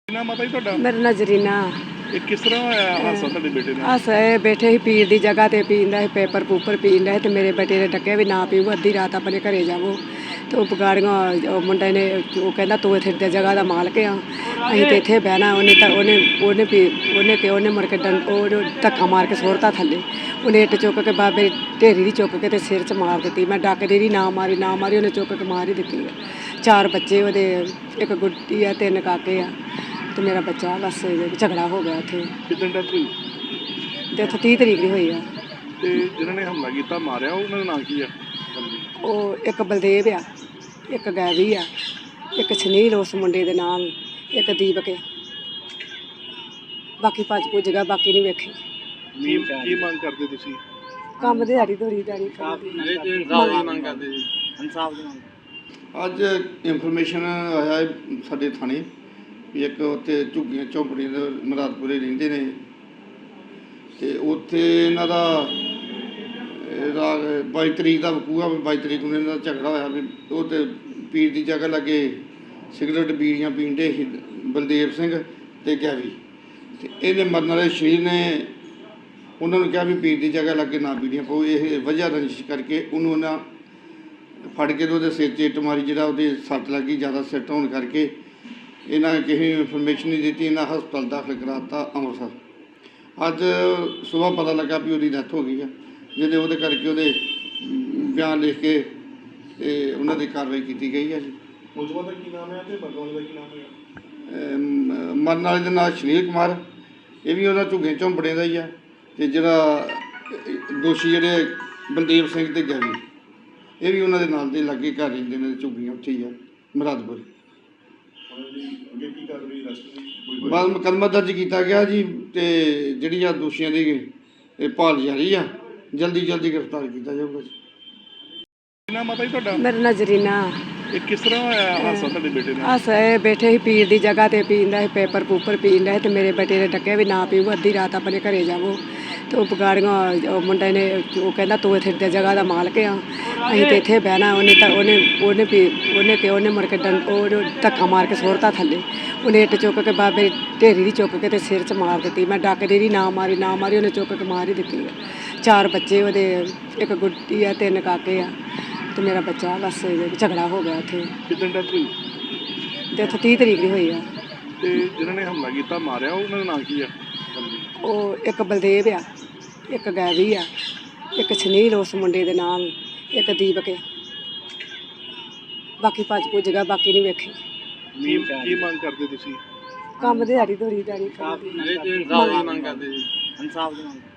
ਨਾ ਮਾਤਾ ਜੀ ਤੁਹਾਡਾ ਮੇਰਾ ਨਜ਼ਰੀਨਾ ਇਹ ਕਿਸ ਤਰ੍ਹਾਂ ਹੋਇਆ ਹਾਦਸਾ ਤੁਹਾਡੇ ਬੇਟੇ ਨਾਲ? ਇਹ ਬੈਠੇ ਸੀ ਪੀਰ ਦੀ ਜਗ੍ਹਾ ਤੇ ਪੀਂਦਾ ਸੀ ਪੇਪਰ ਪੂਪਰ ਪੀਂਦਾ ਸੀ ਤੇ ਮੇਰੇ ਬੇਟੇ ਨੇ ਡੱਕਿਆ ਵੀ ਨਾ ਪੀਓ, ਅੱਧੀ ਰਾਤ ਆਪਣੇ ਘਰੇ ਜਾਵੋ। ਤੇ ਉਹ ਬਗਾੜੀਆਂ ਉਹ ਮੁੰਡੇ ਨੇ ਉਹ ਕਹਿੰਦਾ ਤੂੰ ਇੱਥੇ ਦੀ ਜਗ੍ਹਾ ਦਾ ਮਾਲਕ ਆ, ਅਸੀਂ ਤੇ ਇੱਥੇ ਬਹਿਣਾ। ਉਹਨੇ ਮੁੜ ਕੇ ਉਹ ਧੱਕਾ ਮਾਰ ਕੇ ਸੁੱਟਤਾ ਥੱਲੇ। ਉਹਨੇ ਇੱਟ ਚੁੱਕ ਕੇ ਬਾਬੇ ਢੇਰੀ ਦੀ ਚੁੱਕ ਕੇ ਤੇ ਸਿਰ 'ਚ ਮਾਰ ਦਿੱਤੀ। ਮੈਂ ਡੱਕਦੀ ਰਹੀ, ਨਾ ਮਾਰੀ ਉਹਨੇ ਚੁੱਕ ਕੇ ਮਾਰ ਹੀ ਦਿੱਤੀ। 4 ਬੱਚੇ ਉਹਦੇ, ਇੱਕ ਗੁੱਡੀ ਆ, 3 ਕਾਕੇ ਆ ਤੇ ਮੇਰਾ ਬੱਚਾ। ਬਸ ਝਗੜਾ ਹੋ ਗਿਆ ਉੱਥੇ। ਕਿਦਾਂ ਡੈਥ ਹੋਈ? ਡੈਥ 30 ਤਰੀਕ ਦੀ ਹੋਈ ਆ। ਤੇ ਜਿਹਨਾਂ ਨੇ ਹਮਲਾ ਕੀਤਾ ਮਾਰਿਆ ਉਹਨਾਂ ਦਾ ਨਾਂ ਕੀ ਆ? ਉਹ ਇੱਕ ਬਲਦੇਵ ਆ, ਇੱਕ ਗੈਵੀ ਆ, ਇੱਕ ਸੁਨੀਲ ਉਸ ਮੁੰਡੇ ਦੇ ਨਾਮ, ਇੱਕ ਦੀਪਕ ਆ। ਬਾਕੀ ਭੱਜ ਭੁੱਜ ਗਿਆ, ਬਾਕੀ ਨਹੀਂ ਵੇਖੇ। ਕੀ ਮੰਗ ਕਰਦੇ ਤੁਸੀਂ? ਕੰਮ ਦਿਹਾੜੀ ਦੋਰੀ ਦਾੜੀ ਮੰਗ ਕਰਦੇ ਜੀ ਇਨਸਾਫ ਦੀ ਮੰਗ। ਅੱਜ ਇਨਫੋਰਮੇਸ਼ਨ ਆਇਆ ਹੈ ਸਾਡੇ ਥਾਣੇ ਵੀ ਇੱਕ ਉੱਥੇ ਝੁੱਗੀਆਂ ਝੌਂਪੜੀਆਂ ਦੇ ਮੁਰਾਦਪੁਰੇ ਰਹਿੰਦੇ ਨੇ ਤੇ ਉੱਥੇ ਇਹਨਾਂ ਦਾ 22 ਤਰੀਕ ਦਾ ਵਕੂਆ। 22 ਤਰੀਕ ਨੂੰ ਇਹਨਾਂ ਦਾ ਝਗੜਾ ਹੋਇਆ ਵੀ ਉਹ ਤੇ ਪੀਰ ਦੀ ਜਗ੍ਹਾ ਲੱਗੇ ਸਿਗਰਟ ਬੀੜੀਆਂ ਪੀਂਦੇ ਸੀ ਬਲਦੇਵ ਸਿੰਘ ਤੇ ਗੈਵੀ। ਤੇ ਇਹਦੇ ਮਰਨ ਵਾਲੇ ਸ਼ਰੀਰ ਨੇ ਉਹਨਾਂ ਨੂੰ ਕਿਹਾ ਵੀ ਪੀਰ ਦੀ ਜਗ੍ਹਾ ਲੱਗੇ ਨਾ ਬੀੜੀਆਂ ਪਾਓ। ਇਹ ਵਜ੍ਹਾ ਰੰਜਿਸ਼ ਕਰਕੇ ਉਹਨੂੰ ਉਹਨਾਂ ਫੜ ਕੇ ਉਹਦੇ ਸਿਰ 'ਚ ਇੱਟ ਮਾਰੀ, ਜਿਹੜਾ ਉਹਦੀ ਸੱਟ ਲੱਗੀ ਜ਼ਿਆਦਾ ਸਿੱਟ ਹੋਣ ਕਰਕੇ ਇਹਨਾਂ ਕਿਸੇ ਨੂੰ ਇਨਫੋਰਮੇਸ਼ਨ ਨਹੀਂ ਦਿੱਤੀ। ਇਹਨਾਂ ਹਸਪਤਾਲ ਦਾਖਲ ਕਰਾ ਦਿੱਤਾ ਅੰਮ੍ਰਿਤਸਰ। ਅੱਜ ਸੁਬਾਹ ਪਤਾ ਲੱਗਾ ਵੀ ਉਹਦੀ ਡੈਥ ਹੋ ਗਈ ਆ, ਜਿਹਦੇ ਉਹਦੇ ਕਰਕੇ ਉਹਦੇ ਬਿਆਨ ਲਿਖ ਕੇ ਤੇ ਉਹਨਾਂ ਦੀ ਕਾਰਵਾਈ ਕੀਤੀ ਗਈ ਹੈ ਜੀ। ਮੁਲਜ਼ਮਾਂ ਦਾ ਕੀ ਨਾਮ ਹੈ ਤੇ ਮਰਨ ਵਾਲੇ ਦਾ ਕੀ ਨਾਮ ਹੈ? ਮਰਨ ਵਾਲੇ ਦਾ ਨਾਮ ਸੁਨੀਲ ਕੁਮਾਰ, ਇਹ ਵੀ ਉਹਨਾਂ ਝੁੱਗੇ ਝੌਂਪੜੇ ਦਾ ਹੀ ਆ। ਤੇ ਜਿਹੜਾ ਦੋਸ਼ੀ ਜਿਹੜੇ ਬਲਦੇਵ ਸਿੰਘ ਤੇ ਗੈਵੀ, ਇਹ ਵੀ ਉਹਨਾਂ ਦੇ ਨਾਲ ਦੇ ਲਾਗੇ ਘਰ ਰਹਿੰਦੇ ਨੇ, ਝੁੱਗੀਆਂ ਉੱਥੇ ਹੀ ਆ ਮੁਰਾਦਪੁਰ। ਬਾਅਦ ਮੁਕੱਦਮਾ ਦਰਜ ਕੀਤਾ ਗਿਆ ਜੀ ਤੇ ਜਿਹੜੀਆਂ ਦੋਸ਼ੀਆਂ ਦੀ ਇਹ ਭਾਲ ਜਾਰੀ ਆ, ਜਲਦੀ ਗ੍ਰਿਫਤਾਰ ਕੀਤਾ ਜਾਊਗਾ ਜੀ। ਨਾ ਮਾਤਾ ਜੀ ਤੁਹਾਡਾ ਮੇਰਾ ਨਜ਼ਰੀਨਾ ਇਹ ਕਿਸ ਤਰ੍ਹਾਂ ਹੋਇਆ ਹਾਦਸਾ ਤੁਹਾਡੇ ਬੇਟੇ ਨਾਲ? ਇਹ ਬੈਠੇ ਸੀ ਪੀਰ ਦੀ ਜਗ੍ਹਾ ਤੇ ਪੀਂਦਾ ਸੀ ਪੇਪਰ ਪੂਪਰ ਪੀਂਦਾ ਸੀ ਤੇ ਮੇਰੇ ਬੇਟੇ ਨੇ ਡੱਕਿਆ ਵੀ ਨਾ ਪੀਓ, ਅੱਧੀ ਰਾਤ ਆਪਣੇ ਘਰੇ ਜਾਵੋ। ਤੇ ਉਹ ਬਗਾੜੀਆਂ ਉਹ ਮੁੰਡੇ ਨੇ ਉਹ ਕਹਿੰਦਾ ਤੂੰ ਇੱਥੇ ਦੀ ਜਗ੍ਹਾ ਦਾ ਮਾਲਕ ਆ, ਅਸੀਂ ਤੇ ਇੱਥੇ ਬਹਿਣਾ। ਉਹਨੇ ਮੁੜ ਕੇ ਉਹ ਧੱਕਾ ਮਾਰ ਕੇ ਸੁੱਟਤਾ ਥੱਲੇ। ਉਹਨੇ ਇੱਟ ਚੁੱਕ ਕੇ ਬਾਬੇ ਢੇਰੀ ਦੀ ਚੁੱਕ ਕੇ ਤੇ ਸਿਰ 'ਚ ਮਾਰ ਦਿੱਤੀ। ਮੈਂ ਡੱਕਦੀ ਰਹੀ, ਨਾ ਮਾਰੀ ਉਹਨੇ ਚੁੱਕ ਕੇ ਮਾਰ ਹੀ ਦਿੱਤੀ। 4 ਬੱਚੇ ਉਹਦੇ, ਇੱਕ ਗੁੱਡੀ ਆ, 3 ਕਾਕੇ ਆ ਤੇ ਮੇਰਾ ਬੱਚਾ। ਬਸ ਝਗੜਾ ਹੋ ਗਿਆ ਉੱਥੇ। ਕਿਦਾਂ ਡੈਥ ਹੋਈ? ਡੈਥ 30 ਤਰੀਕ ਦੀ ਹੋਈ ਆ। ਤੇ ਜਿਹਨਾਂ ਨੇ ਹਮਲਾ ਕੀਤਾ ਮਾਰਿਆ ਉਹਨਾਂ ਦਾ ਨਾਂ ਕੀ ਆ? ਉਹ ਇੱਕ ਬਲਦੇਵ ਆ, ਇੱਕ ਗੈਵੀ ਆ, ਇੱਕ ਸੁਨੀਲ ਉਸ ਮੁੰਡੇ ਦੇ ਨਾਮ, ਇੱਕ ਦੀਪਕ ਆ। ਬਾਕੀ ਭੱਜ ਭੁੱਜ ਗਿਆ, ਬਾਕੀ ਨਹੀਂ ਵੇਖੇ। ਕੀ ਮੰਗ ਕਰਦੇ ਤੁਸੀਂ? ਕੰਮ ਦਿਹਾੜੀ ਦੋਰੀ ਦਾੜੀ ਮੰਗ ਕਰਦੇ ਜੀ ਇਨਸਾਫ ਦੀ ਮੰਗ।